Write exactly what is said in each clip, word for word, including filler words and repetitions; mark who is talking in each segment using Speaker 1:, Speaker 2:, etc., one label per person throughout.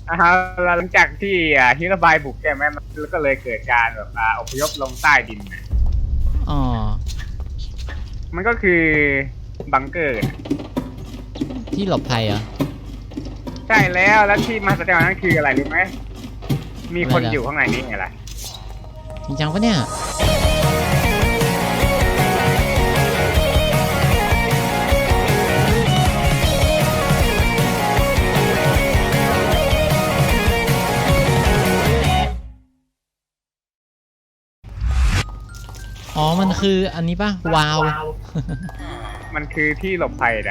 Speaker 1: อ่าฮะหลังจากที่อ่าฮิราบายบุกใช่ไหมมันก็เลยเกิดการแบบอ่าอพยพลงใต้ดินน่ะ
Speaker 2: อ๋อ
Speaker 1: มันก็คือบังเกอร์น่ะ
Speaker 2: ที่หลบภัยเหรอ
Speaker 1: ใช่แล้วแล้วที่มหัศจรรย์นั้นคืออะไรรู้ไหมมีคน
Speaker 2: อะไรล่ะ
Speaker 1: อยู่ข้างในนี้ไงล่ะ
Speaker 2: จริงจังปะเนี่ยอ๋อมันคืออันนี้ปะวาว
Speaker 1: มันคือที่หลบภัยแหละ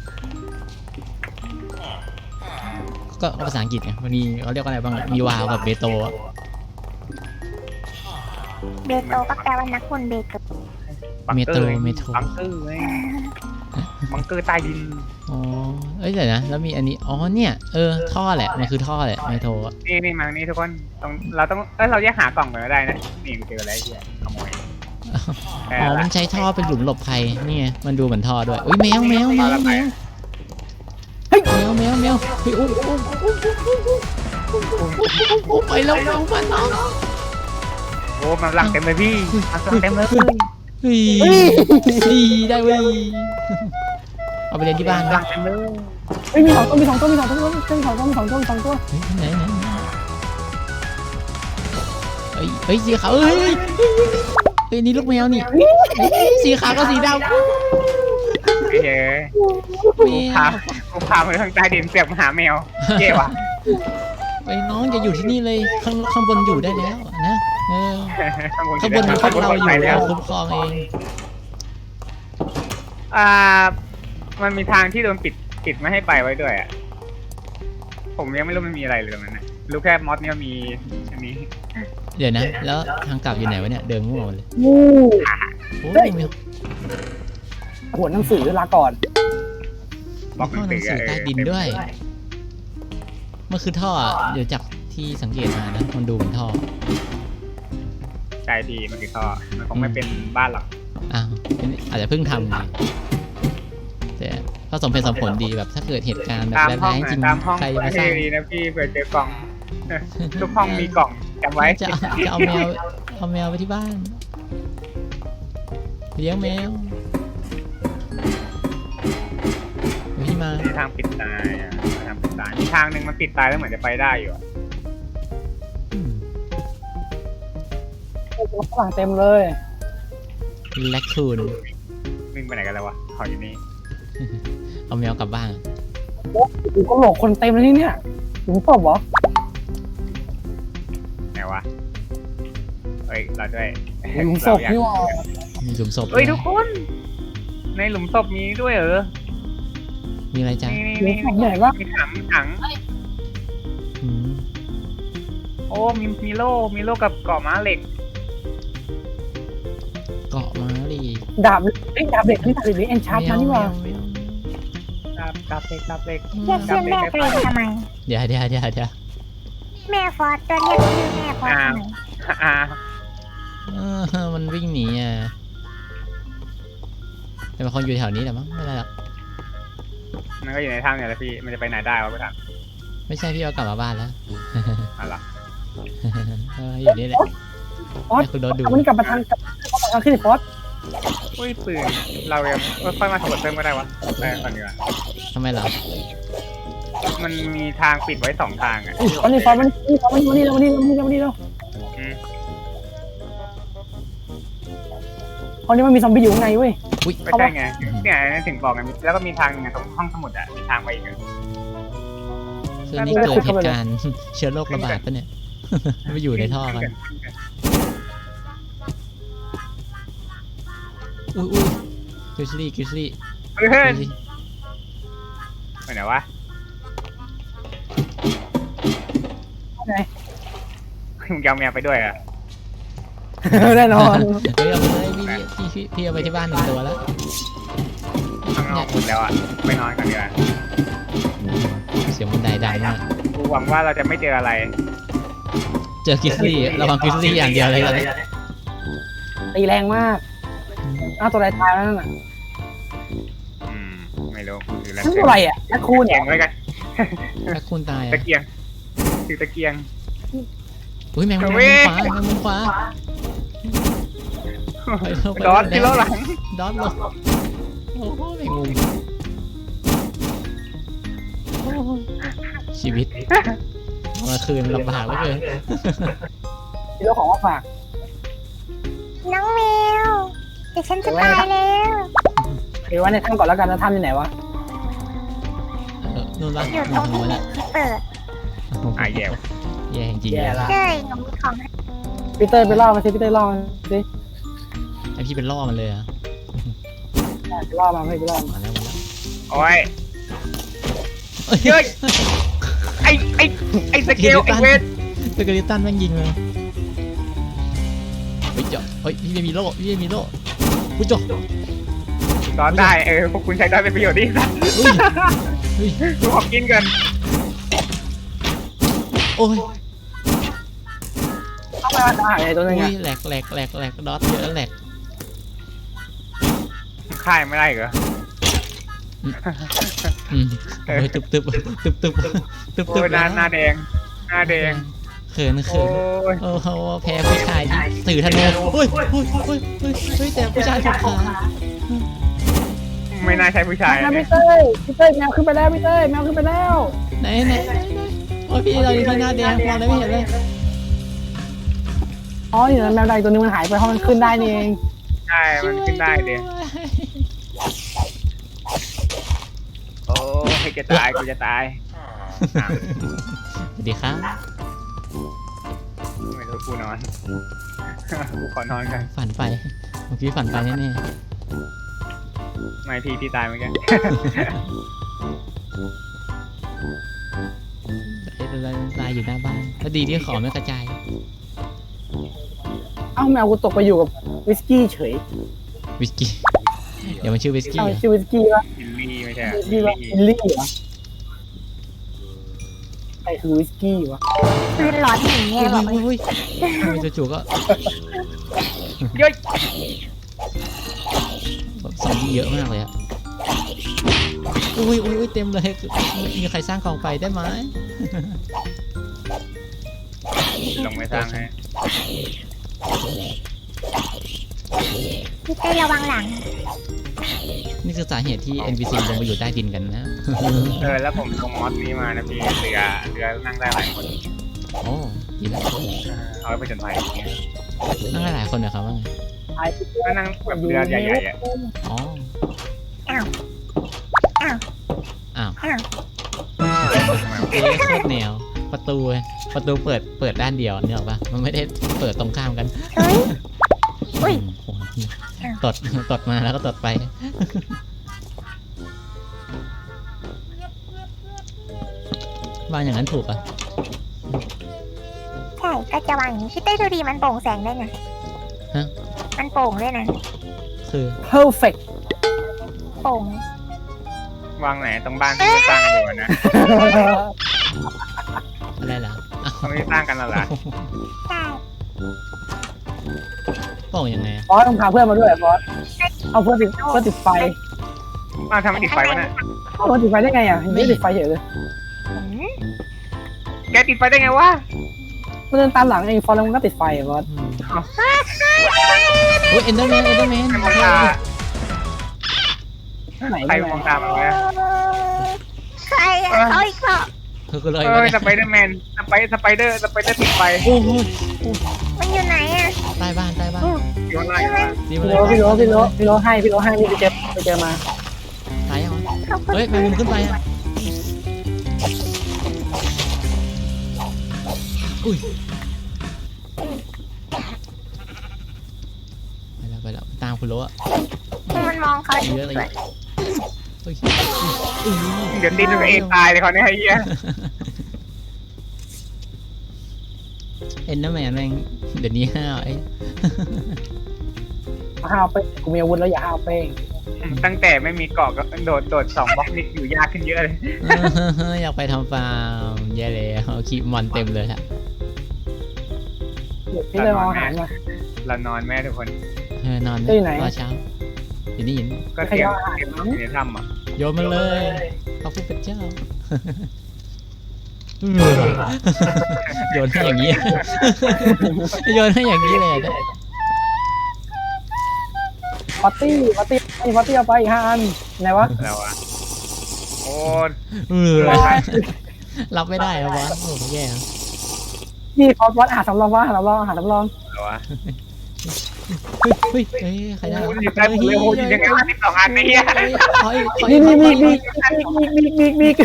Speaker 2: ก็ภาษาอังกฤษไงมันมีเขาเรียกว่าอะไรบ้างอะมีวาวกับเบโตอะ
Speaker 3: เบโตก็แปลว่านักบุญเบโต
Speaker 1: บัง
Speaker 2: เม
Speaker 1: เก
Speaker 2: โต
Speaker 1: อร์
Speaker 2: เมโต
Speaker 1: บังเกอร์ไงบังเกอร์ใต้ดิน
Speaker 2: อ๋อเอ้ยเดี๋ยวนะแล้วมีอันนี้อ๋อเนี่ยเออท่อแหละมันคือท่อแหละเมโทอะ
Speaker 1: นี่นี่มานี่ทุกคนต้องเราต้องเอ้ยเราแยกหากล่องกันก็ได้นะนี่กูเจออะไรเหี้ยขโมย
Speaker 2: อ๋อมันใช้ท่อเป็นหลุมหลบภัยนี่ไงมันดูเหมือนท่อด้วยอุ้ยแมวแมวแมวแมวเฮ้ยแมวแมวแมวเฮ้ยอุ้มอุ้มอุ้มอุ้มอุ้มอุ้มไปแล้วน้องมาน้อง
Speaker 1: โอ้มันหลังเต็มเลยพี่มันหลังเต็มเลย
Speaker 2: เฮ้ยเฮ้ยได้เว้ยเอาไปเรียนที่บ้าน
Speaker 1: ห
Speaker 2: นะ
Speaker 1: ลังเต็มเลย
Speaker 4: เฮ้ยมีสองตัวมีสองตัวมีสองตัวมีสองตัวมีสองตัวมีสองตัว
Speaker 2: เฮ้ยไหนไหนเฮ้ยเฮ้ยสีขาวเฮ้ยเฮ้ยนี่ลูกแมวนี่สีขาวกับสีดำ
Speaker 1: ไอ้เหี้ยกูพากูพาไปทางใต้ดินเสือกมาหาแมวเจ๊ว่ะ
Speaker 2: ไอ้น้องจะอยู่ที่นี่เลยข้างข้างบนอยู่ได้แล้วนะเออ
Speaker 1: ข้างบน
Speaker 2: ข้างบนมีพวกเราอยู่
Speaker 1: แล้
Speaker 2: เรา
Speaker 1: ว
Speaker 2: คุ้มครองเอง
Speaker 1: อ่ามันมีทางที่โดนปิดปิดไม่ให้ไปไว้ด้วยอ่ะผมยังไม่รู้มันมีอะไรเลยตรงนั้นนะรู้แค่มอสเนี่ยมีอันนี้
Speaker 2: เดี๋ยวนะ แล้วทางกลับอยู่ไหนวะเนี่ยเดินมั่วหมดเลย
Speaker 4: งู
Speaker 2: โอ้ยมี
Speaker 4: ขวดหนังสือลาก่อน
Speaker 1: บล็อกห
Speaker 2: ท่อ
Speaker 1: นัง
Speaker 2: หนั
Speaker 1: สื
Speaker 2: ง
Speaker 1: อ
Speaker 2: สือใต้ดินด้วยมันคือท่ออะเดี๋ยวจากที่สังเกตมานะมันดูเหมือนท่อ
Speaker 1: ใช่ดีมันคือท่อมันคงไม่เป็นบ้านหรอก
Speaker 2: อ้าวอาจจะเพิ่งทำไงแต่ก็สมเป็นสมผลดีแบบถ้าเกิดเหตุการณ์แบบ
Speaker 1: ตามห้
Speaker 2: แร
Speaker 1: อง
Speaker 2: งๆจริง
Speaker 1: ตามห้อง
Speaker 2: ใครจะมาส
Speaker 1: ให้
Speaker 2: ร้าง
Speaker 1: ดีนะพี่เผื่อเจอกล่อง ทุกห้องมีกล่องจำไว้
Speaker 2: จะเอาจะเอาแมวเอาแมวไปที่บ้านเลี้ยงแมวพี่มา
Speaker 1: มีทางปิดตายอ่ะทางปิดตายมีทางหนึ่งมันปิดตายแล้วเหมือนจะไปได้อยู่อะ
Speaker 4: ฝรั่งเต็มเลย
Speaker 2: แลคคูน
Speaker 1: วิ่งไปไหนกันแล้ววะขออยู่นี่
Speaker 2: เอาแมวกลับบ้าน
Speaker 4: กูก็หลอกคนเต็มเลยที่เนี่ยถึงตบเหรอ
Speaker 1: ไหนวะเอ้ยเราด้วย
Speaker 4: หลุมศพนี่หว่า
Speaker 2: มีหลุมศพ
Speaker 1: เอ้ยทุกคน ในหลุมศพมีด้วยเหรอ
Speaker 2: มีอะไรจ้ะ
Speaker 1: นี่
Speaker 4: หลุ
Speaker 1: นี่
Speaker 4: มศ
Speaker 1: นี่
Speaker 4: พใหญ่ปะ
Speaker 1: มีถังถัง
Speaker 2: อืม
Speaker 1: โอ้มีมีโล่มีโล่กับเกาะม้าเหล็ก
Speaker 2: เกาะม้าลี
Speaker 4: ดาบเอ้ยดาบเด็กนี่ดาบเด็กนี่เอ็นชาร์ปมานี่หว่า
Speaker 2: แมว
Speaker 1: ดาบดาบเหล็กดาบเหล็ก
Speaker 3: เรียกชื่อแม่ตัวเองทำไม
Speaker 2: เดี๋ยวเดี๋ยวเดี๋ยวเดี๋ยว
Speaker 3: แม่ฟอสจะเรียกชื่อแม่ฟอสทำไม
Speaker 1: อ่า
Speaker 2: เออมันวิ่งหนีอ่ะแต่มันคงอยู่แถวนี้แหละมั้งไม่ได้หรอก
Speaker 1: มันก็อยู่ในถ้ำเนี่ยแหละพี่มันจะไปไหนได้วะพี่ถัง
Speaker 2: ไม่ใช่พี่เอากลับมาบ้านแล้ว
Speaker 1: อะไร
Speaker 2: เอออยู่นี่แหละ
Speaker 4: ฟอส
Speaker 2: ให้คุณโดนดู
Speaker 4: เอามันกลับมาทางกลับมาทางขึ้นฟอส
Speaker 1: อุ้ยปืนเรายังค่อยมาสำรวจเพิ่มก็ได้วะได้ก่อนดีกว่า
Speaker 2: ทำไมล่ะ
Speaker 1: มันมีทางปิดไว้สองทางอ่ะ
Speaker 4: ฟอสนี่ฟอสมันนี่ฟอสมันนี่แล้วมันนี่แล้วมันนี่แล้วมันนี่แล้ว
Speaker 1: อืม
Speaker 4: ตอนนี้มันมีซอมบี้อยู่ข้างในเว้ย
Speaker 2: อุ้ย
Speaker 1: ไม่ใช่ไงเนี่ยถึงบอกไงแล้วก็มีทางไงตรงห้องสมุดอ่ะมีทางไปอีกอะ
Speaker 2: คืนนี้เกิดเหตุการณ์ เชื้อโรคระบาดปะเนี่ย ไปอยู่ในท่อกันอุ้ยอุ้ยกิสลี่กิสลี่
Speaker 1: เฮ้ยไปไหนวะ
Speaker 4: ไง
Speaker 1: มึงจะเอาแมวไปด้วยอ่ะ
Speaker 4: แน่นอน
Speaker 2: เฮ้ยเอาไปเลยพี่พี่พี่พี่เอาไปที่บ้านหนึ่งตัวแล้ว
Speaker 1: ข้างนอกหมดแล้วอ่ะไปนอนก่อนดีกว่า
Speaker 2: เสียงบันไดดังมาก
Speaker 1: กูหวังว่าเราจะไม่เจออะไร
Speaker 2: เจอกิสลี่ระวังกิสลี่อย่างเดียวเลยตอนนี้
Speaker 4: ตีแรงมากอ้าวตัวอะไรตายแล้วนั่นน่ะ
Speaker 1: อืมไม่รู้คืออะไร
Speaker 4: นั่นตัวอะไรอ่ะแอคคูน
Speaker 1: เกียงไว้กัน
Speaker 2: ถ้าคุณตาย
Speaker 1: ตะ
Speaker 2: อ่ะ
Speaker 1: เกียงถือตะเกียง
Speaker 2: อุ้ยแมงมุม
Speaker 1: เว้
Speaker 2: แม
Speaker 1: ย
Speaker 2: งมุมขวาแมงมุมขวาไปเร็วไป
Speaker 1: ดอส
Speaker 2: เร็ว
Speaker 1: ที่ล้อหลัง
Speaker 2: ดอทลงโอ้โหแมงมุมโอ้โหชีวิตมาคืนลำบากเหลือเกิน
Speaker 4: พี่โลของมาฝาก
Speaker 3: น้องแมวเดี๋ยวฉันจะตายแล้ว
Speaker 4: เดี๋ยวไว้ในถ้ำก่อนแล้วกันนะถ้ำอยู่ไหนวะ
Speaker 2: เออนู่นละ
Speaker 3: อยู่ตรง
Speaker 2: นู่
Speaker 3: ที่
Speaker 2: นละ
Speaker 3: ที่เปิด
Speaker 1: หายแย่ว
Speaker 2: แย่จริงๆ
Speaker 4: แย่
Speaker 2: เลย
Speaker 4: ละ
Speaker 3: ใช่หนูมีของให้
Speaker 4: พีเตอร์ไปล่อมันสิพีเตอร์ล่อมันสิ
Speaker 2: ไอพี่เป็นล่อมันเลยเหรอ่ะ
Speaker 4: ไปล่อมันไม่ไปล่อมัน
Speaker 2: มาแล้วมาแล้ว
Speaker 1: โอ้ย
Speaker 2: เอ้ย
Speaker 1: เฮ้ย ไอไอไอสเกลไอเวท
Speaker 2: สเกลิตันแม่งยิงเลยเฮ้ยเจาะเฮ้ยพี่ไม่มีโล่พี่ไม่มีโล่กูเจาะ
Speaker 1: ดอสได้เออพวกคุณใช้ดอสเป็นประโยชน์ดีสัส
Speaker 2: เฮ้ยเฮ้ย
Speaker 1: ดูของกินกัน
Speaker 2: โอ้ย
Speaker 4: เข้าไปมันหายในตัวนึง
Speaker 2: อุ้
Speaker 4: อ่ะ
Speaker 2: ยแหลกแหลกแหลกแหลกดอทเยอะแหลก
Speaker 1: ค่ายไม่ได้เหรอ
Speaker 2: อืมโอ้ยตึบตึบตึบตึบตึบ
Speaker 1: โอ้
Speaker 2: ตึบ
Speaker 1: ยหน้าหน้าแดงหน้าแดง
Speaker 2: เขิน
Speaker 1: โอ้
Speaker 2: เขิน
Speaker 1: ย
Speaker 2: โอ้โหแพ้ผู้ชายที่ถือธนูเฮ้ยเฮ้ยเฮ้ยเฮ้ยเฮ้ยแต่ผู้ชายถูกขา
Speaker 1: ไม่น่าใช่ผู้ชาย
Speaker 4: นะ
Speaker 1: นะ
Speaker 4: พีเตอร์พีเตอร์แมวขึ้นไปแล้วพีเตอร์แมวขึ้นไปแล้ว
Speaker 2: ไหนไหนไหนไหนโอ้ยพี่เราอยู่ที่หน้าแดงมองเลยไม่เห็นเลย
Speaker 4: อ๋ออยู่ในแมวใดตัวนึงมันหายไปเพราะมันขึ้นได้นี่เอง
Speaker 1: ใช่มันขึ้นได้เดียโอ้ให้จะตายกูจะตายอ่ะ
Speaker 2: สวัสดีครับ
Speaker 1: ไม่รู้กูนอน กูขอนอนกัน
Speaker 2: ฝันไปเมื่อกี้ฝันไปแน่
Speaker 1: ไม่พี่พี่ตายเหมือนกัน
Speaker 2: ๆไอ้ตัวลายอยู่หน้าบ้านแล้วดีที่ของไม่กระจาย
Speaker 4: เอ้าแมวกูตกไปอยู่กับวิสกี้เฉย
Speaker 2: วิสกี้ เดี๋ยวมันชื่อวิสกี้
Speaker 4: เอ้า
Speaker 2: เหรอ
Speaker 4: ชื่อวิสกี้วะ
Speaker 1: อิลลี่ไม่ใช่
Speaker 4: วิส
Speaker 1: อิ
Speaker 4: กี้
Speaker 1: ล
Speaker 4: วะ
Speaker 1: ลี่
Speaker 4: อิลลี่เหรอใครคือวิสกี้วะ
Speaker 3: คืนหลอนหนีไง
Speaker 2: เฮ้ย
Speaker 3: บอก
Speaker 2: เฮ้ยเฮ้ยทำไมจู่ๆก็
Speaker 1: เย้ย
Speaker 2: แบบซอมบี้เยอะมากเลยอะอุ้ยอุ้ยอุ้ยเต็มเลยมีใครสร้างกองไฟได้ไหม
Speaker 1: ลงไม่สร้างให้
Speaker 3: พี่เต้ระวังหลัง
Speaker 2: นี่คือสาเหตุที่ เอ็น พี ซี ลงมาอยู่ใต้ดินกันนะ
Speaker 1: เออแล้วผมลงมอสนี้มานะพี่เรือเรือนั่งได้หลายคน
Speaker 2: โอ้ดีแล้ว
Speaker 1: เออเอาไว้ไปจนภัยอย่างเงี้ย
Speaker 2: นั่งได้หลายคนเหรอครับว่าไง
Speaker 4: ไอ้พีเตอ
Speaker 1: ก็
Speaker 4: ร์
Speaker 1: นั่งแบบเรือใหญ่ๆอ่ะ
Speaker 2: อ๋อ
Speaker 3: อ้าวอ้าว
Speaker 2: อ้าว
Speaker 3: อ้าว
Speaker 2: เอ๊ะโคตรแนวประตูไงประตูเปิดเปิดด้านเดียวเนี่ยหรอกปะมันไม่ได้เปิดตรงข้ามกัน
Speaker 3: เฮ้ย อุ้ย
Speaker 2: มโหตดตดมาแล้วก็ตดไป วางอย่างนั้นถูกอ่ะ
Speaker 3: ใช่ก็จะวางอย่างนี้พี่เต้ดูดีมันโปร่งแสงได้ไง
Speaker 2: ฮะ
Speaker 3: มันโปร่งด้วยนะ
Speaker 2: คือ
Speaker 4: perfect
Speaker 3: โปร่ง
Speaker 1: วางไหนตรงบ้านที่จะสร้างกันอยู่อะนะ
Speaker 2: อะไรล่ะอ้าว
Speaker 1: เขาไม่ได้สร้างกันแล้วล่ะ
Speaker 3: ใช่
Speaker 2: โป่งยังไงอะ
Speaker 4: ฟอสต้องพาเพื่อนมาด้วยฟอสเอาเพื่อนติดเพื่อนติดไฟ
Speaker 1: มาทำให้ติดไฟวะเนี่ย
Speaker 4: เอาเพื่อนติดไฟได้ไงอ่ะไม่ติดไฟเฉยเลย
Speaker 3: หืม
Speaker 1: แกติดไฟได้ไงวะ
Speaker 4: เพื่อนตามหลังเองฟอสแล้วมันก็ติดไฟอ่ะฟอส
Speaker 2: อืมโอ้ยเอ็นเดอร์แมนเอ็นเดอร์แมน
Speaker 1: ใครมองตา
Speaker 4: ไหน
Speaker 1: ใคร
Speaker 4: ได้
Speaker 1: มอง
Speaker 4: ไง
Speaker 1: ตามันวะ
Speaker 3: ใครอะเขาอีกเปล่า
Speaker 2: เธอก็เลย
Speaker 1: เอ้ยสไปเดอร์แมนสไปสไปเดอร์สไปเดอร์ติดไฟ
Speaker 2: โอ้โห
Speaker 3: มันอยู่ไหนอะ
Speaker 2: ใต้บ้านใต้บ้าน
Speaker 1: อยู่ข้างล่างอยู่ข้างล่าง
Speaker 2: ดี
Speaker 4: พี่
Speaker 2: มา
Speaker 4: โร
Speaker 2: เลย
Speaker 4: พี่โรพี่โรพี่โรให้พี่โรให้พี่ไปเจอไปเจอมา
Speaker 2: ตายยังวะ
Speaker 3: ขอบคุณ
Speaker 2: เฮ้ยแมงมุมขึ้นไปอ่ะอุ้ยไปแล้วไปแล้วตามคุณโลอะ
Speaker 3: มันมองเขา
Speaker 2: เยอะเลยเฮ้ยอุ้ย
Speaker 1: เดี๋ยวตีตัวเองตายเลยเขาเนี่ยไอ้เหี้ย
Speaker 2: เอ็นเดอร์แมนแม่งเดี๋ยวนี้ห้าวไอ้
Speaker 4: ห้าวเป้งกูมีอาวุธแล้วอย่าห้าวเป้ง
Speaker 1: ตั้งแต่ไม่มีเกาะก็โดดโดดสองบล็อกนี่อยู่ยากขึ้นเยอะเลย
Speaker 2: อยากไปทำฟาร์มแย่แล้วคีบมอนเต็มเลยฮะ
Speaker 4: เดี๋ยวพี่เลยมาเอาอาหารมา
Speaker 1: เรานอนแม่ทุกคน
Speaker 2: เออนอน
Speaker 4: ที่ไหน
Speaker 2: รอเช้าอยู่นี่ยิน
Speaker 1: ก็เตรียมเตรียมในถ้ำอ่ะ
Speaker 2: โยนมาเลยพระผู้เป็นเจ้าโยนให้อย่างนี้ โยนให้อย่างนี้เลยนะ
Speaker 4: ปาร์ตี้ปาร์ตี้ปาร์ตี้เอาไปอีกห้าอันไหนวะ
Speaker 1: แล้วอะโอ้
Speaker 2: เออรับไม่ได้แล้ววะโอ้แย่
Speaker 4: นี่ขอวัดอาหารสำรองวะอาหารสำรองอาหารสำรอง
Speaker 1: แล้ววะ
Speaker 2: เฮ้ยเฮ้ยใครได้
Speaker 1: โอ้ยอยู่ใกล้ผมเลยโอ้ยอยู่ยังไงวะสิบสองอันไม่เฮีย
Speaker 2: ถอยถอย
Speaker 4: นี่นี่
Speaker 2: ถ
Speaker 4: มี
Speaker 2: อย
Speaker 4: มีมีมีมีมีมี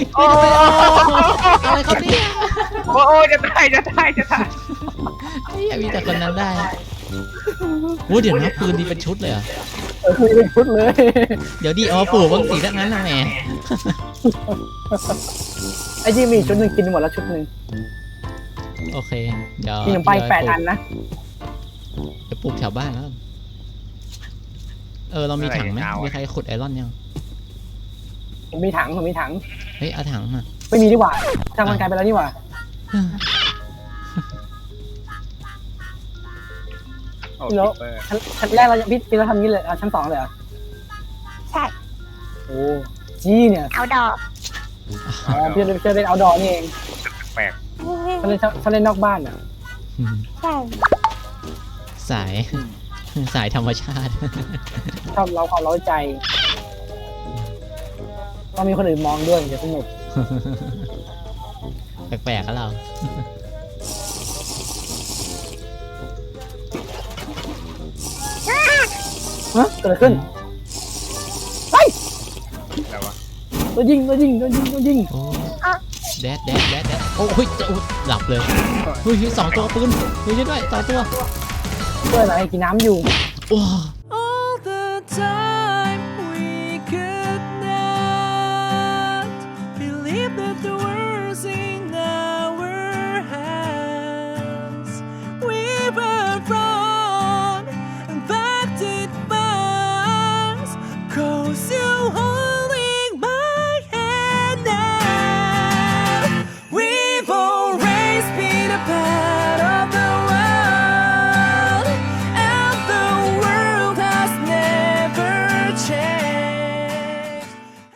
Speaker 2: อะไรครับเนี่ย
Speaker 1: โอ้ยจะตายจะตายจะตาย
Speaker 2: ไอ้มีแต่คนนั้นได้โอ้เดี๋ยวนะปืนดีเป็นชุดเลยเหรอ
Speaker 4: เออเป็นชุดเลย
Speaker 2: เดี๋ยวดิเอามาปลูกบางสีทั้งนั้นนะแหม
Speaker 4: ไอ้ที่มีชุดหนึ่งกินหมดแล้วชุดหนึ่ง
Speaker 2: โอเคเดี๋ยว
Speaker 4: มีขนมปังแปดอันนะ
Speaker 2: จะปลูกแถวบ้านแล้วเออเรามีถังไหมมีใครขุดไอรอนยัง
Speaker 4: ผมมีถังผมมีถัง
Speaker 2: เฮ้ยเอาถังมา
Speaker 4: ไม่มีดีกว่าทางมันกลายไปแล้วนี่หว่า
Speaker 1: โอ้
Speaker 4: แล้ว
Speaker 1: เปอร์
Speaker 4: ชั้นชั้นแรกเราพี่พี่เราทำนี้เลยอ่ะชั้นสองเลยเหรอ
Speaker 3: ใช่
Speaker 4: โอ้จี้เนี่ย
Speaker 3: เอาดอก
Speaker 4: อ๋อพี่พี่เล่นเอาดอนี่เอง
Speaker 1: แปลก
Speaker 4: ถ้าเล่นถ้าเล่นนอกบ้านอ่ะ
Speaker 3: ใช่
Speaker 2: สาย สายธรรมชาติ
Speaker 4: ชอบเราความเร้าใจต้องมีคนอื่นมองด้วยจะสนุก
Speaker 2: แปลกๆกันเรา
Speaker 4: ฮะเกิดอะไรขึ้นเฮ้ย
Speaker 1: แล้ววะ
Speaker 4: โดนยิงโดนยิงโดนยิงโดนยิง
Speaker 2: โอ้แดดแดดแดดแดดโอ้ยจะอุ๊ยหลับเลยเฮ้ยสองตัวปืนเฮ้ยช่วยด้วยสองตัว
Speaker 4: เพื่ออะไรกินน้ำอยู่
Speaker 2: โอ้
Speaker 5: all the time.